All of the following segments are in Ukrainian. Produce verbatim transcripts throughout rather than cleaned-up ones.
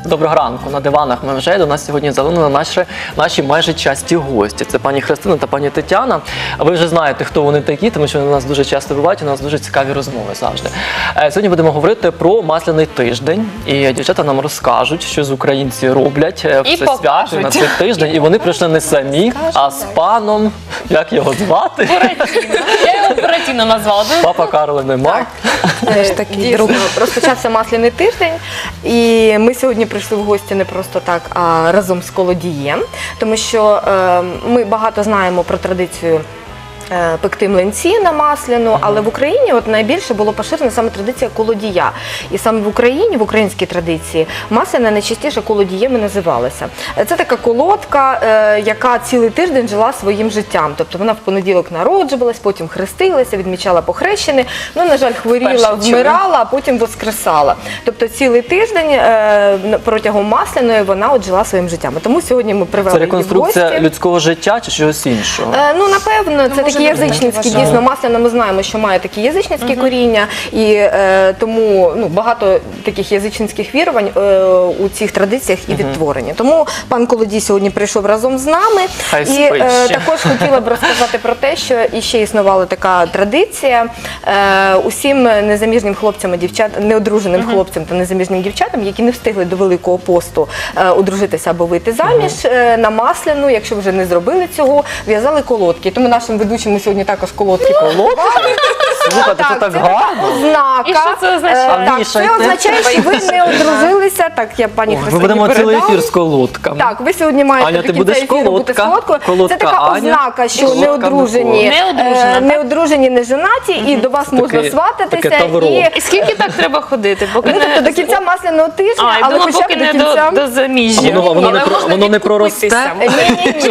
Доброго ранку. На диванах ми вже до нас сьогодні залунили наші, наші майже часті гості. Це пані Христина та пані Тетяна. А ви вже знаєте, хто вони такі, тому що вони у нас дуже часто бувають, у нас дуже цікаві розмови завжди. Сьогодні будемо говорити про Масляний тиждень. І дівчата нам розкажуть, що з українці роблять в це свято на цей тиждень. І вони прийшли не самі, а з паном, як його звати? Я його Буратіно назвала. Папа Карла нема. Дійсно, розпочався Масляний тиждень, і ми сьогодні прийшли в гості не просто так, а разом з колодієм, тому що е, ми багато знаємо про традицію е, пекти млинці на масляну, але в Україні от найбільше було поширена саме традиція колодія. І саме в Україні, в українській традиції, масляна найчастіше колодієм і називалася. Це така колодка, е, яка цілий тиждень жила своїм життям. Тобто вона в понеділок народжувалась, потім хрестилася, відмічала похрещені, ну, на жаль, хворіла, вмирала, а потім воскресала. Тобто цілий тиждень е, протягом масляної вона от жила своїм життям. Тому сьогодні ми привели Це її в гості. реконструкція людського життя чи чогось іншого? Е, ну, напевно, це такі язичницькі, дійсно, масляна, ми знаємо, що має такі язичницькі uh-huh. коріння, і е, тому ну, багато таких язичницьких вірувань е, у цих традиціях і uh-huh. відтворені. Тому пан Колодій сьогодні прийшов разом з нами. Хай і е, також хотіла б розказати про те, що іще існувала така традиція. Е, усім незаміжнім хлопцям і дівчат, неодруженим uh-huh. хлопцям та незаміжнім дівчатам, які не встигли до Великого посту е, одружитися або вийти заміж, uh-huh. е, на масляну, якщо вже не зробили цього, в'язали колодки. Тому нашим ведучим ми сьогодні також колодки колодки. Слухайте, це так гарно. Ознака. І що це означає? Так, це означає, що ви не одружилися. Так, я пані Христині передам. Ми будемо цілий ефір з колодками. колодками. Так, ви сьогодні маєте Аня, ти до кінця будеш ефіру бути колодка, солодкою. колодка Це така Аня, ознака, що колодка неодружені, Неодружена, е, неодружені, не женаті, і до вас можна таке свататися. тавро. І, І скільки так треба ходити? Поки ну, тобто, не... до кінця масляного тижня, А, я але думала, хоча поки б до не кінця. до, до заміжжя. Воно, воно, не, Але про, можна воно не проросте. Ні-ні-ні.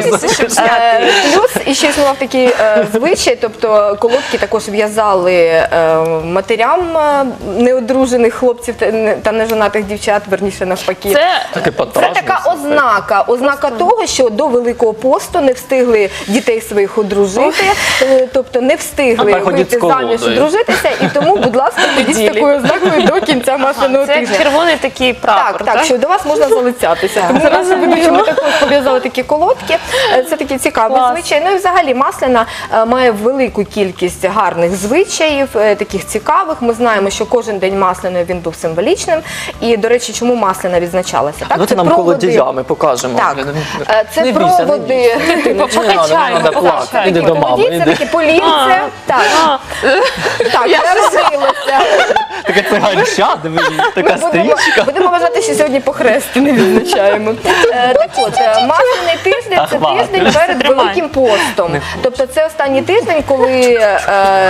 Плюс іще існував такий е, звичай, тобто колодки також в'язали е, матерям е, неодружених хлопців та, не- та нежонатих дівчат, верніше навпаки. Це Таке Це потажне, така слухайте. ознака, ознака того, що до Великого посту не встигли дітей своїх одружити, е, тобто не А встигли тепер ходіть вийти з колодою. заміж, одружитися, і тому, будь ласка, ходіть з такою ознакою до кінця масляного це як тижня. червоний такий прапор, Так, так, що до вас можна залицятися. Тому наші ведучі ми також пов'язали такі колодки. Е, Це такий цікавий Клас. звичай. Ну і взагалі масляна е, має велику кількість гарних звичаїв, е, таких цікавих. Ми знаємо, що кожен день масляної він був символічним. І, до речі, чому масляна відзначалася? Так, Давайте нам колодіями покажемо. Так, Не- е, це не бійся, не проводи. бійся. Ти Не надо, не покачаємо, надо плакати. покачаємо. Іди до мами, Колодій, це іди. таке полінце. Так, А, так, народилося. Таке циганча, диви, така Будемо, стрічка. будемо вважати, що сьогодні похрести не відзначаємо. Е, так от, е, масляний тиждень – це Ах, тиждень ладно. перед Тримай. Великим постом. Тобто це останній тиждень, коли е,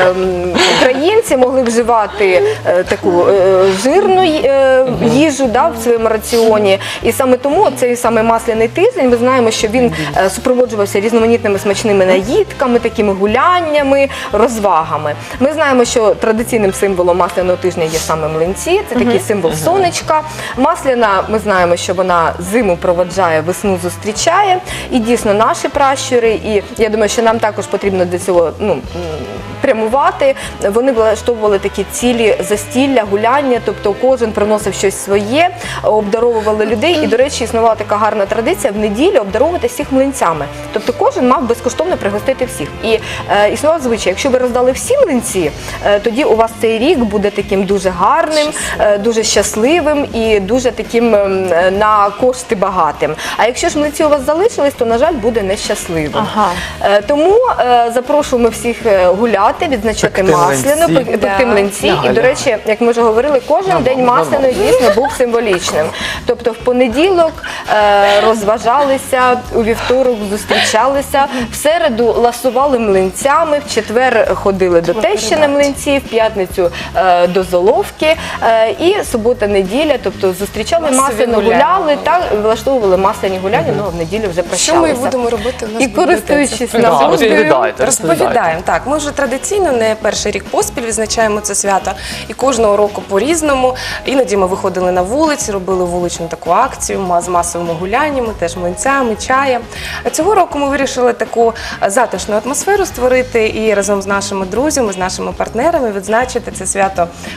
м, українці могли вживати е, таку е, жирну е, їжу, да, в своєму раціоні. І саме тому цей саме масляний тиждень, ми знаємо, що він е, супроводжувався різноманітними смачними наїдками, такими гуляннями, розвагами. Ми знаємо, що традиційним символом масляного тижня є саме млинці, це такий символ сонечка. Масляна, ми знаємо, що вона зиму проводжає, весну зустрічає. І дійсно наші пращури, і я думаю, що нам також потрібно до цього ну, м, прямувати. Вони влаштовували такі цілі застілля, гуляння, тобто кожен приносив щось своє, обдаровували людей. І, до речі, існувала така гарна традиція в неділю обдаровувати всіх млинцями. Тобто кожен мав безкоштовно пригостити всіх. І е, існував звичай, якщо ви роздали всі млинці, е, тоді у вас цей рік буде таким дуже гарним, е, дуже щасливим і дуже таким е, на кошти багатим. А якщо ж млинці у вас залишились, то, на жаль, буде нещасливим. Ага. Е, тому е, запрошуємо всіх е, гуляти, відзначати Пекти масляну, млинці. пек- пекти млинці. Ляга, І, до ляга. речі, як ми вже говорили, кожен Нормально, день масляної дійсно був символічним. Тобто в понеділок е, розважалися, у вівторок зустрічалися, в середу ласували млинцями, в четвер ходили до тещини млинці, в п'ятницю е, до золовки, е, і субота-неділя, тобто зустрічали Масові масляно, гуляння. гуляли та влаштовували масляні гуляння, ну а в неділю вже Що ми прощалися. будемо робити? У нас І буде користуючись це. Да, нагодою, розповідайте, розповідайте. Розповідаємо. Так, ми вже традиційно не перший рік поспіль відзначаємо це свято. І кожного року по-різному. Іноді ми виходили на вулиці, робили вуличну таку акцію ма- з масовими гуляннями, теж млинцями, чаєм. А цього року ми вирішили таку затишну атмосферу створити і разом з нашими друзями, з нашими партнерами відзначити це свято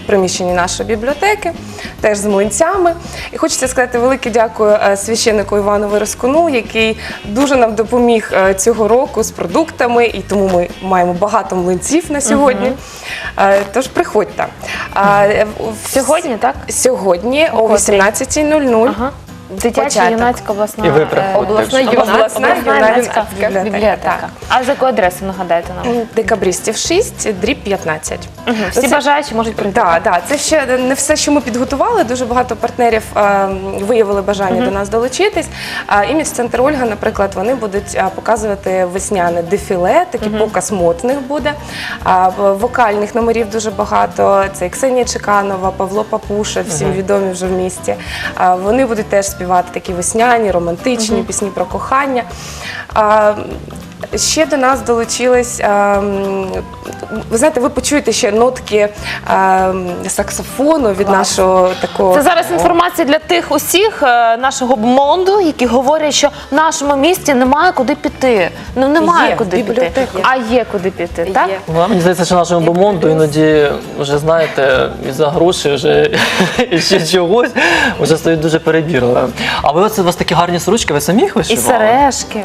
приміщенні нашої бібліотеки, теж з млинцями. І хочеться сказати велике дякую е, священнику Івану Вироскуну, який дуже нам допоміг е, цього року з продуктами, і тому ми маємо багато млинців на сьогодні. Е, Тож приходьте. А, е, в- Сьогодні, так? Сьогодні о котрій? вісімнадцятій нуль нуль. Ага. Дитяча Початок. юнацька обласна І ви е, приходьте. обласна вже. юнацька Обласна обласна юнацька юнацька бібліотека. бібліотека. Так. А за яку адресу нагадайте нам? Декабристів шість, дріб п'ятнадцять. Всі Це- бажаючі можуть прийти. Так, так, це ще не все, що ми підготували. Дуже багато партнерів е, виявили бажання до нас долучитись. А імідж-центр Ольга, наприклад, вони будуть е, показувати весняне дефіле, такий показ мод в них буде. А, в- вокальних номерів дуже багато. Це і Ксенія Чеканова, Павло Папуша, всім відомі вже в місті. А, вони будуть теж співати такі весняні, романтичні пісні про кохання. А, Ще до нас долучились, ем, ви знаєте, ви почуєте ще нотки ем, саксофону від нашого такого. Це зараз інформація для тих усіх е, нашого бмонду, які говорять, що в нашому місті немає куди піти. Ну немає Є, куди піти. бібліотека. А є куди піти, так? Є. Ну, мені здається, що нашому бомонду іноді вже знаєте, і за гроші, вже і ще чогось, вже стають дуже перебірливими. А ви оце у вас такі гарні сорочки, ви самі їх І вишивали? сережки.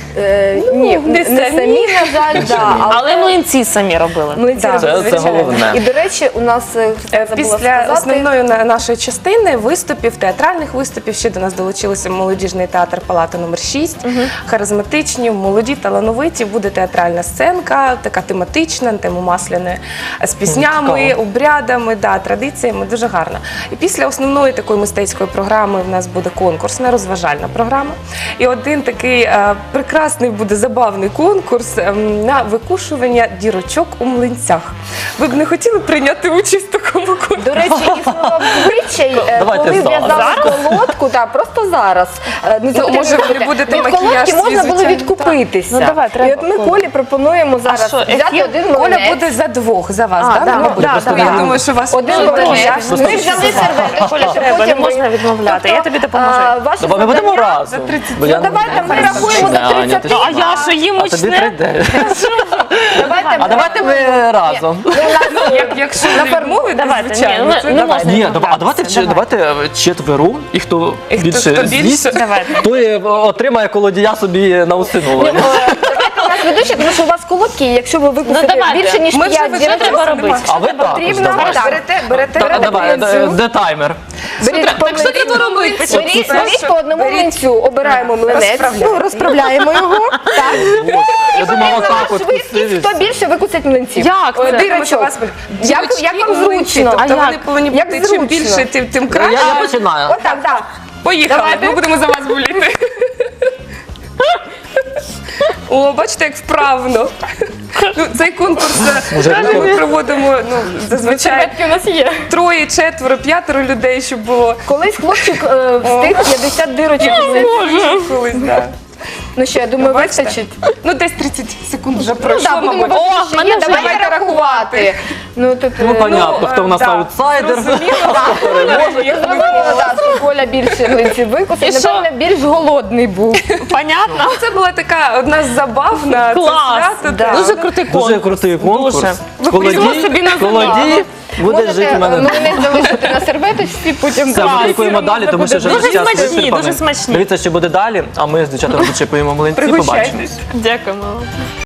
Е, ні, не не самі. самі, на жаль, да, Але млинці самі робили. млинці Да, робили, Це, це звичайно. головне. І, до речі, у нас е, Е, забула Після сказати, основної на- нашої частини виступів, театральних виступів, ще до нас долучилися молодіжний театр Палата номер шість. Харизматичні, молоді, талановиті. Буде театральна сценка, така тематична, на тему масляної, з піснями, цікаво. обрядами, да, традиціями. Дуже гарно. І після основної такої мистецької програми в нас буде конкурсна, розважальна програма. І один такий е, прекрасний буде забавний конкурс ем, на викушування дірочок у млинцях. Ви б не хотіли прийняти участь в такому конкурсі? До речі, існував звичай, е, Давайте коли зараз. в'язали колодку, так, просто зараз. Е, Не завжди може, ви робити. будете Від макіяж колодки свій, можна було звичайно, відкупитися. так. Ну, давай, треба І от ми колодку. Колі пропонуємо зараз що, взяти ефір? один Коля млинець. буде за двох, за вас, А, так? да, Не буде? да, Просто да, я да. думаю, що вас Один Ну, млинець. просто Ми взяли серветочку, Коля, щоб треба, не потім ви- можна відмовляти. Я тобі допоможу. А, ваше Давай ми будемо завдання- разом. тридцять. Бо Ну я- давайте ми Ні, рахуємо до Аня, ти тридцяти. ж- А я що, їм А тобі мучне? прийде. Давайте А давайте ми разом. Як, якщо не відмовити, Давайте, звичайно. ні, це ну, не можна. Ні, дав- а давайте, Давай. давайте е, четверу, і хто І хто- більше хто більше? з'їсть, Давайте. той е, отримає колодія собі на усиновлення. Давайте у нас ведучі, тому що у вас колодки, якщо ви викупите Ну, давайте. більше, ніж Ми вже п'ять вичерпали, дірочок, треба робити? А ви також потрібно давайте. так, берете, берете, Та- берете Давай, млинцю. де- де таймер? Беріть по Так що млинцю. треба робити? Беріть, Це беріть що? по одному Беріть. млинцю, обираємо млинець, Розправляємо. ну, розправляємо його. Так. Я думав, отак от Швидкість, кусили. хто більше викусить млинців. Як це? Дирочок. Тому що у вас будуть Як, дірочки як вам у млинці, зручно? Тобто А вони як? повинні Як бути зручно? чим більше, тим, тим Я, краще. я починаю. Отак, так. Поїхали, Давайте. ми будемо за вас боліти. О, бачите, як вправно. Ну, цей конкурс Може, е, рекорд? ми проводимо ну, зазвичай у нас є. троє, четверо, п'ятеро людей, щоб було. Колись хлопчик е, встиг п'ятдесят дирочок. Колись, да. Ну що, я думаю, Бачите? вистачить. Ну, десь тридцять секунд вже Ну пройшло, так, будемо мабуть. бачити, що мене є. вже Давайте є. рахувати. Ну, тут, Ну, е, понятно, Ну, хто в нас да, аутсайдер. зрозуміло. зрозуміло, да, що Коля більше млинців викусив. І що? Напевно, більш голодний був. Понятно? Це була така одна з забав на це Клас. свято. Да. Дуже крутий конкурс. Дуже крутий конкурс. Дуже. візьмо собі на Колодій буде жити в Можете мене. млинець залишити на серветочці, потім Все, ми клас. крокуємо далі, тому що вже Дуже час смачні, вичерпаний. дуже смачні. Дивіться, що буде далі, а ми з дівчатами зачепуємо млинці, Пригощайтесь. побачимось. Дякуємо.